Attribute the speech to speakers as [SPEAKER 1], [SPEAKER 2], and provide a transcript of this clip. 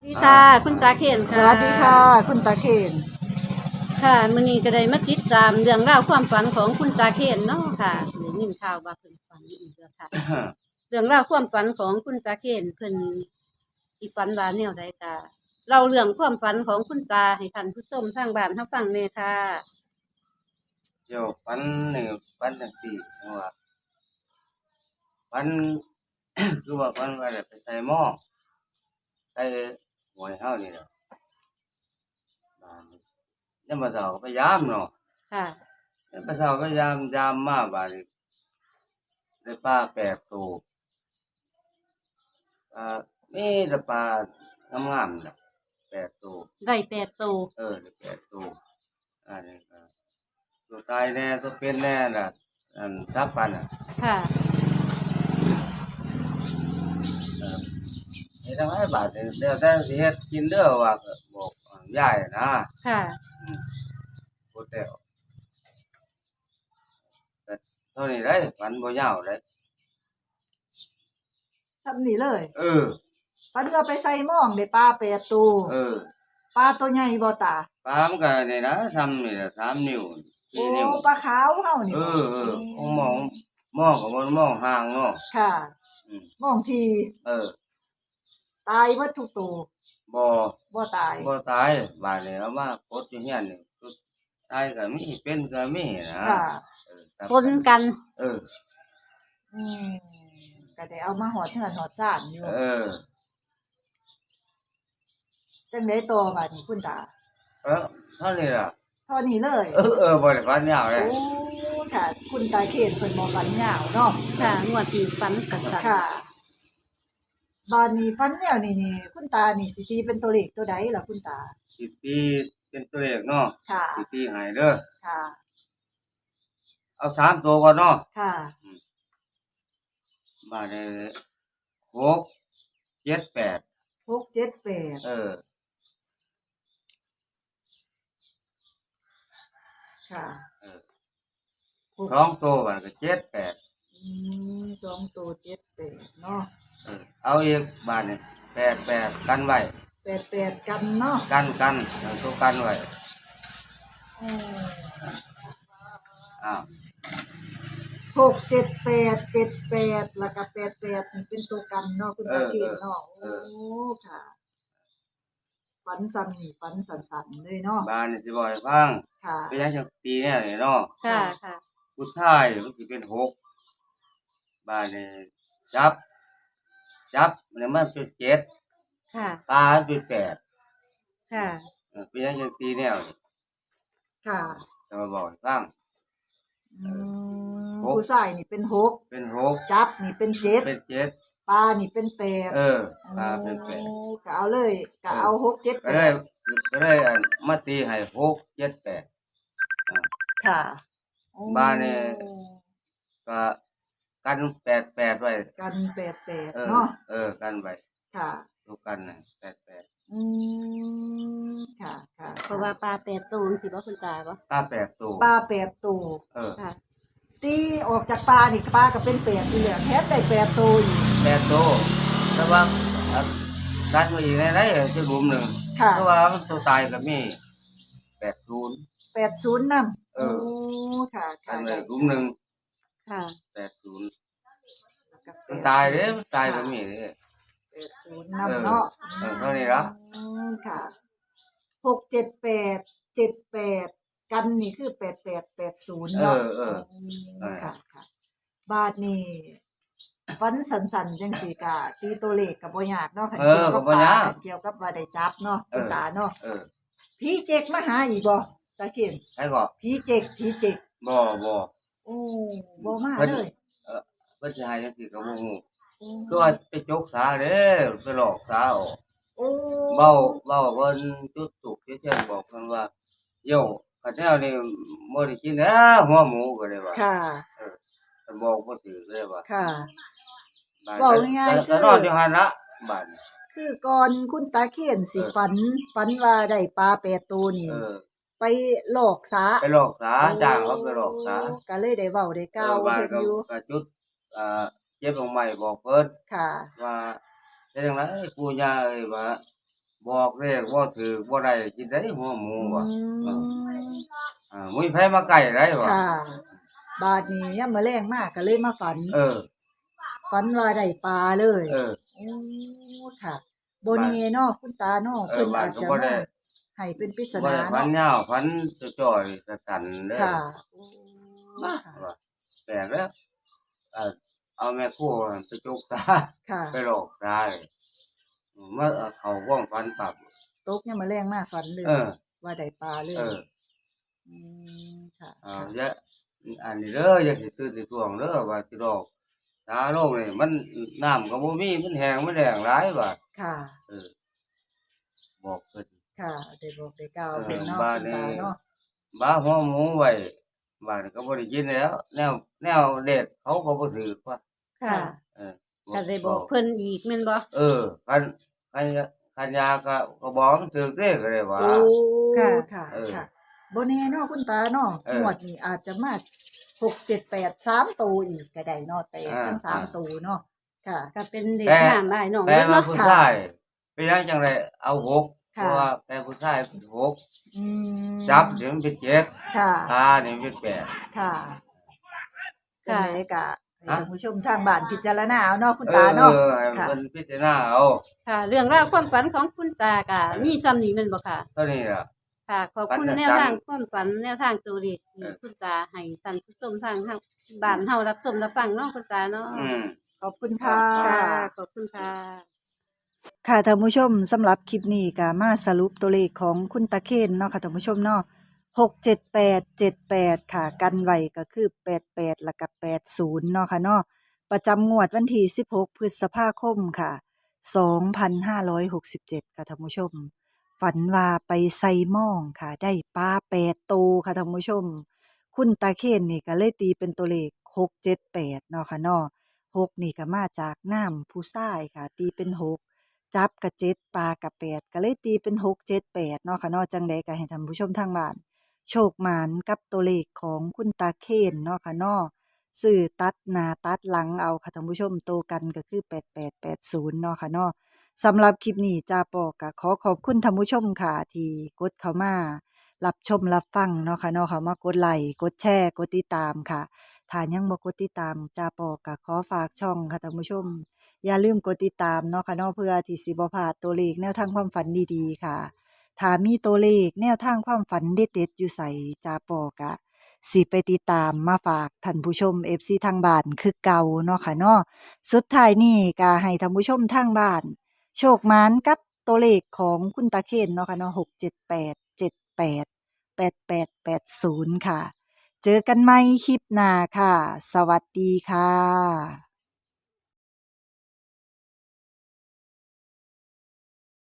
[SPEAKER 1] ดีค่ะคุณตาเคน
[SPEAKER 2] ส
[SPEAKER 1] ค่ะ
[SPEAKER 2] วัสดีค่ะคุณตาเคน
[SPEAKER 1] ค่ะมื้อนี้ก็ได้มาติดตามเรื่องราวความฝันของคุณตาเคนเนาะค่ะได้ยินข่าวว่าเพิ่นฝันอีกแล้วค่ะ เรื่องราวความฝันของคุณตาเคนเพิ่นสิฝันว่าแนวใดค่ะเล่าเรื่องความฝันของคุณตาให้ท่านผู้ชมทางบ้านเฮาฟังแหน่ค่ะ
[SPEAKER 3] เดี๋ยวปันนี่ปันจังซี่ว่าปัน คือว่าปันว่าได้ไปใส่หม้อใส่หวยเฮานี่แหละบ้านนี้ยามมื้อเช้าก็พยายามเนาะ
[SPEAKER 1] ค่ะ
[SPEAKER 3] ยามมื้อเช้าก็ยามมาบาดนี้ได้ปลา8ตัวมีแต่ปลางามๆน่ะ8ตัว
[SPEAKER 1] ได้8ตัว
[SPEAKER 3] ได้8ตัวอันนี้ก็ตัวตายแน่ตัวเป็นแน่น่ะอันทับปันน่ะ
[SPEAKER 1] ค่ะ
[SPEAKER 3] เออ เฮ็ดจั่งใดบาดนี้แล้วแต่สิเฮ็ดกินเด้อว่าก็บอกยายนะ
[SPEAKER 1] ค่ะ
[SPEAKER 3] อืมพูดแล้วก็เท่านี้ได้ฝันบ่ยาวได้
[SPEAKER 2] ทำนี่เลย
[SPEAKER 3] เออ
[SPEAKER 2] ปันเราไปใส่หม้องได้ปลา8ตัว
[SPEAKER 3] เออ
[SPEAKER 2] ปลาตัวใหญ่บ่ตา
[SPEAKER 3] ปลามันก็นี่นะทำนี่ล่ะ3นิ้ว
[SPEAKER 2] โอ้
[SPEAKER 3] 4นิ้ว
[SPEAKER 2] ปลาขาวเฮานี่บ่
[SPEAKER 3] ของมองก็บ่มองห่างเนาะ
[SPEAKER 2] ค่ะหม้องที่
[SPEAKER 3] เออ
[SPEAKER 2] ตายหมดทุกตัว
[SPEAKER 3] บ่
[SPEAKER 2] บ่ตาย
[SPEAKER 3] บ่ตายบาดนี้เอามากดอยู่เฮียนนี่ตายก็มีเป็นก็มีนะ
[SPEAKER 2] ค่ะ
[SPEAKER 1] ปนกัน
[SPEAKER 3] เออ
[SPEAKER 2] อืมก็ได้เอามาหอดเทือนหอดซ่านอยู่จังได๋ต่อบัดนี้คุณตา
[SPEAKER 3] เท่านี้ล่ะ
[SPEAKER 2] เท่านี้เลย
[SPEAKER 3] บ่ได้ฝันยาวเลย
[SPEAKER 2] โอ้ค่ะคุณตาเคนเพิ่นบ่ฝันยาวเนาะ
[SPEAKER 1] ค่ะงวดที่ฝันกัน
[SPEAKER 2] ค่ะบานนี้ฝันแนวนี่คุณตานี่สิตีเป็นตัวเลขตัวใดล่ะคุณตา
[SPEAKER 3] สิตีเป็นตัวเลขเนาะ
[SPEAKER 2] ค่ะ
[SPEAKER 3] สิตีให้เด้อ
[SPEAKER 2] ค่ะ
[SPEAKER 3] เอา3ตัวก่อนเนาะ
[SPEAKER 2] ค่ะ
[SPEAKER 3] บาดนี้6 7 8
[SPEAKER 2] 6 7 8ค่ะ
[SPEAKER 3] 2ตัวบาดก็7 8
[SPEAKER 2] 2ตัว7 8เนาะ
[SPEAKER 3] เอาอีกบาดนี้8 8กันไว้
[SPEAKER 2] 8 8กันเนาะ
[SPEAKER 3] กันเอาตัวกันไว้อ้าว
[SPEAKER 2] 6 7 8 7 8แล้วก็8 8นี่เป็นตัวกันเนาะคุณตาเคนเนาะโอ้ค่ะฝันซ้ำนี่ฝันสั่นๆเลยเนาะ
[SPEAKER 3] บาดนี้สิบอกให้ฟัง
[SPEAKER 2] ค่ะ
[SPEAKER 3] เป็นจังตีแน่นี่เนาะ
[SPEAKER 1] ค่ะ
[SPEAKER 3] ผู้ชายมันสิเป็น6บาดนี้จับเนี่ยมันเป็น7
[SPEAKER 1] ค่ะ
[SPEAKER 3] ปลาเป็น8
[SPEAKER 1] ค่ะ
[SPEAKER 3] เป็นจังตีแนวนี่
[SPEAKER 2] ค่ะ
[SPEAKER 3] จะมาบอกให้ฟัง
[SPEAKER 2] ผู้ชายนี่เป็น6จับนี่เป็น7ปลานี่เป็น8
[SPEAKER 3] ปลาเป็น8
[SPEAKER 2] ก็เอาเลยก็เอา6 7 8
[SPEAKER 3] ก็เลยมาตีให้6 7 8
[SPEAKER 2] ค่ะ
[SPEAKER 3] บ้านนี่ก็กัน8 8ไว้
[SPEAKER 2] กัน8 8เนาะ
[SPEAKER 3] กันไว้
[SPEAKER 2] ค่ะ
[SPEAKER 3] ตัวกันน่ะ8 8
[SPEAKER 2] ค่ะ
[SPEAKER 1] เพราะว่าปลา8ตัวสิบ่คุณตาบ่
[SPEAKER 3] ปลา8ตัว
[SPEAKER 2] ปลา8ตัวค่ะตีออกจากปลานี่ปลาก็เป็น8อยู่แล้วแถมได้8ตัวอีก
[SPEAKER 3] 8ตัวแต่ว่ากันไว้อีกได้จะรุมนึงเพราะว่ามันตัวตายก็มี80
[SPEAKER 2] นำโอ้ค่ะ
[SPEAKER 3] กันไว้รุมนึง
[SPEAKER 1] ค่ะ
[SPEAKER 3] 80มันตายเด้มันตายก็มีเด้
[SPEAKER 2] 80นำเนาะ
[SPEAKER 3] เท่านี้ล่ะ
[SPEAKER 2] ค่ะ6 7 8 7 8กันนี่คือ8880เนาะค่ะบาดนี้ฝันสั่นๆจังซี่ก็ตีตัวเลขก็บ่ยากเนาะคันเกี่ยวกับปลาเกี่ยวกับว่าได้จับเนาะคุณตาเนาะผีเจ๊กมาหาอีกบ่ตาเคน
[SPEAKER 3] ไผก็
[SPEAKER 2] ผีเจ๊ก
[SPEAKER 3] บ่
[SPEAKER 2] โอ้บ่มาเลย
[SPEAKER 3] เพิ่นสิให้จังซี่ก็บ่ฮู้คือว่าไปจกสาเด้ไปหลอกสาออกเว้าเพิ่นจุดตุกเช่นบอกเพิ่นว่าโยคันแนวนี้บ่ได้กินแล้วหัวหมูก็เลยว่า
[SPEAKER 2] ค่ะ
[SPEAKER 3] เพิ่นบอกบ่ถูกเลยว่า
[SPEAKER 2] ค่ะเว้าง่ายๆ
[SPEAKER 3] คือนอนอยู่หั่นละบัด
[SPEAKER 2] คือก่อนคุณตาเคนสิฝันว่าได้ปลา8ตัวนี่ไปหลอกสา
[SPEAKER 3] จ้างเขาไปหลอกสา
[SPEAKER 2] ก็เลยได้เว้าได้กล่าวเพิ่นอยู่
[SPEAKER 3] ก็จุดเจ็บลงใหม่บอกเพิ่น
[SPEAKER 2] ค่ะ
[SPEAKER 3] ว่าเฮ็ดจังได๋ปู่ย่าเอ้ยว่าบอกเลขบ่ถือบ่ได้กินได้หัวหมู
[SPEAKER 2] อื
[SPEAKER 3] ว่ะ
[SPEAKER 2] ม
[SPEAKER 3] มุ้ยไผมาใกล้ได้ว่ะ
[SPEAKER 2] ค่ะ บาดนี้ยามมื้อแลงมาก็เลยมาฝัน ฝันว่าได้ปลาเลย โอ้ค่ะบ่แน่เนาะคุณตาเนาะเพิ่นอาจจะมาให้เป็นปริศ
[SPEAKER 3] บ่
[SPEAKER 2] นา
[SPEAKER 3] ได้พัน
[SPEAKER 2] เนาะ
[SPEAKER 3] ยาวพันจ่อยๆสันๆเด้อ
[SPEAKER 2] ค่ะโอ้
[SPEAKER 3] ว่า
[SPEAKER 2] ค่ะ
[SPEAKER 3] ว่าแปลกแล้วเอาแม่ครัวไปจุกตา
[SPEAKER 2] ค่ะ
[SPEAKER 3] ไปหลอกตาเลยมาเขาว่องฟันปรับ
[SPEAKER 2] ตกยามมื้อแลงมาฝันเลย ว่าได้ปลาเลย อืมค่ะ
[SPEAKER 3] เอา
[SPEAKER 2] ค่ะ
[SPEAKER 3] อย่าอันนี้เด้ออย่าสิตื่นสิท่วงเด้อว่าสิหลอกตาโลกนี่มันน้ำก็บ่มีมันแห้งมันแล้งหลายว่า
[SPEAKER 2] ค่ะ
[SPEAKER 3] บอกเพิ่น
[SPEAKER 2] ค่ะ ได้บอกได้กล่าวเพิ่น
[SPEAKER 3] เออ
[SPEAKER 2] เนาะ
[SPEAKER 3] บ้าน
[SPEAKER 2] คุณตา
[SPEAKER 3] นี้
[SPEAKER 2] เนาะ
[SPEAKER 3] บ้าหัวหมูไว้บ้านก็บ่ได้กินแล้ว แนวเด็กเขาก็บ่ถือว่า
[SPEAKER 2] ค่ะ
[SPEAKER 3] เออ
[SPEAKER 1] ก็ได้บอกเพิ่นอีกแม่นบ่
[SPEAKER 3] คันยาก็บอกมันถือเด้ก็ได้ว่า
[SPEAKER 2] โอ้
[SPEAKER 1] ค่ะ
[SPEAKER 2] ค่ะ
[SPEAKER 3] เออ
[SPEAKER 2] ค่ะบ่แน่เนาะคุณตาเนาะ
[SPEAKER 3] เออ
[SPEAKER 2] งวดนี้อาจจะมา6 7 8 3ตัวอีกก็ได้เนาะแต่ทั้ง
[SPEAKER 3] อ่า
[SPEAKER 2] 3ตัวเนาะค่ะ
[SPEAKER 1] ก็เป็นเด็ก
[SPEAKER 3] แต่
[SPEAKER 1] งามอ้ายน้อง
[SPEAKER 3] แต่
[SPEAKER 1] เบิด
[SPEAKER 3] ว่า
[SPEAKER 1] เนาะ
[SPEAKER 3] ผู้
[SPEAKER 2] ค่ะ
[SPEAKER 3] ชายเป็นหยังจังไดเอาหกเพ
[SPEAKER 2] ค่ะ
[SPEAKER 3] ราะว่าแต่ผู้ชายเป็นหก
[SPEAKER 2] อืม
[SPEAKER 3] จับเดี๋ยวมันเป็นเจ็ด
[SPEAKER 2] ค่ะ
[SPEAKER 3] ตาเนี่ยมันเป็นแปด
[SPEAKER 2] ค่ะจังไดก็ให้
[SPEAKER 3] ฮะ
[SPEAKER 2] ท่านผู้ชมทางบ้านพิจารณาเอาเนาะคุณตาเนาะ
[SPEAKER 3] ให้
[SPEAKER 2] ค่ะ
[SPEAKER 3] มันพิจารณาเอา
[SPEAKER 1] ค่ะ เรื่องราวความฝันของคุณตาก็มีซ้ำนี้แม่นบ่ค่ะ
[SPEAKER 3] เท่านี้ล่ะ
[SPEAKER 1] ค่ะ ขอบคุณ
[SPEAKER 3] ฝัน
[SPEAKER 1] แน
[SPEAKER 3] จั
[SPEAKER 1] ว
[SPEAKER 3] งๆ
[SPEAKER 1] ทางความฝันแนวทางตัวเลขที่
[SPEAKER 3] เออ
[SPEAKER 1] คุณตาให้ท่านผู้ชมทางบ้านเฮารับชมรับฟังเนาะคุณตาเนาะ
[SPEAKER 2] ขอบคุณค่ะ
[SPEAKER 1] ค่ะ ขอบคุณค่ะ
[SPEAKER 2] ค่ะท่านผู้ชมสำหรับคลิปนี้ก็มาสรุปตัวเลขของคุณตาเคนเนาะค่ะท่านผู้ชมเนาะ67878ค่ะกันไว้ก็คือ88แล้วก็80เนาะค่ะเนาะประจำงวดวันที่16พฤษภาคมค่ะ2567ค่ะท่านผู้ชม ฝันว่าไปไซม่องค่ะได้ปลา8ตัวค่ะท่านผู้ชม คุณตาเคนนี่ก็เลยตีเป็นตัวเลข678เนาะค่ะเนาะ6นี่ก็มาจากน้ำผู้ชายค่ะ ตีเป็น6จับกับ7ปลากับ8ก็เลยตีเป็น678เนาะค่ะเนาะจังใดก็ให้ท่านผู้ชมทางบ้านโชคหมานกับตัวเลขของคุณตาเคนเนาะค่ะเนาะซื้อตัดหน้าตัดหลังเอาค่ะท่านผู้ชมโตกันก็คือ8880เนาะค่ะเนาะสำหรับคลิปนี้จาปอก็ขอขอบคุณท่านผู้ชมค่ะที่กดเข้ามารับชมรับฟังเนาะค่ะเนาะค่ะมากดไลค์กดแชร์กดติดตามค่ะถ้ายังบ่กดติดตามจาปอก็ขอฝากช่องค่ะท่านผู้ชม อย่าลืมกดติดตามเนาะค่ะเนาะเพื่อที่สิบ่พลาดตัวเลขแนวทางความฝันดีๆค่ะถ้ามีตัวเลขแนวทางความฝันเด็ดๆอยู่ใส่จาปอกะสิไปติดตามมาฝากท่านผู้ชม FC ทางบ้านคือเก่าเนาะค่ะเนาะสุดท้ายนี้ก็ให้ท่านผู้ชมทางบ้านโชคหมานกับตัวเลขของคุณตาเคนเนาะค่ะเนาะ678788880ค่ะ เจอกันใหม่คลิปหน้าค่ะ สวัสดีค่ะ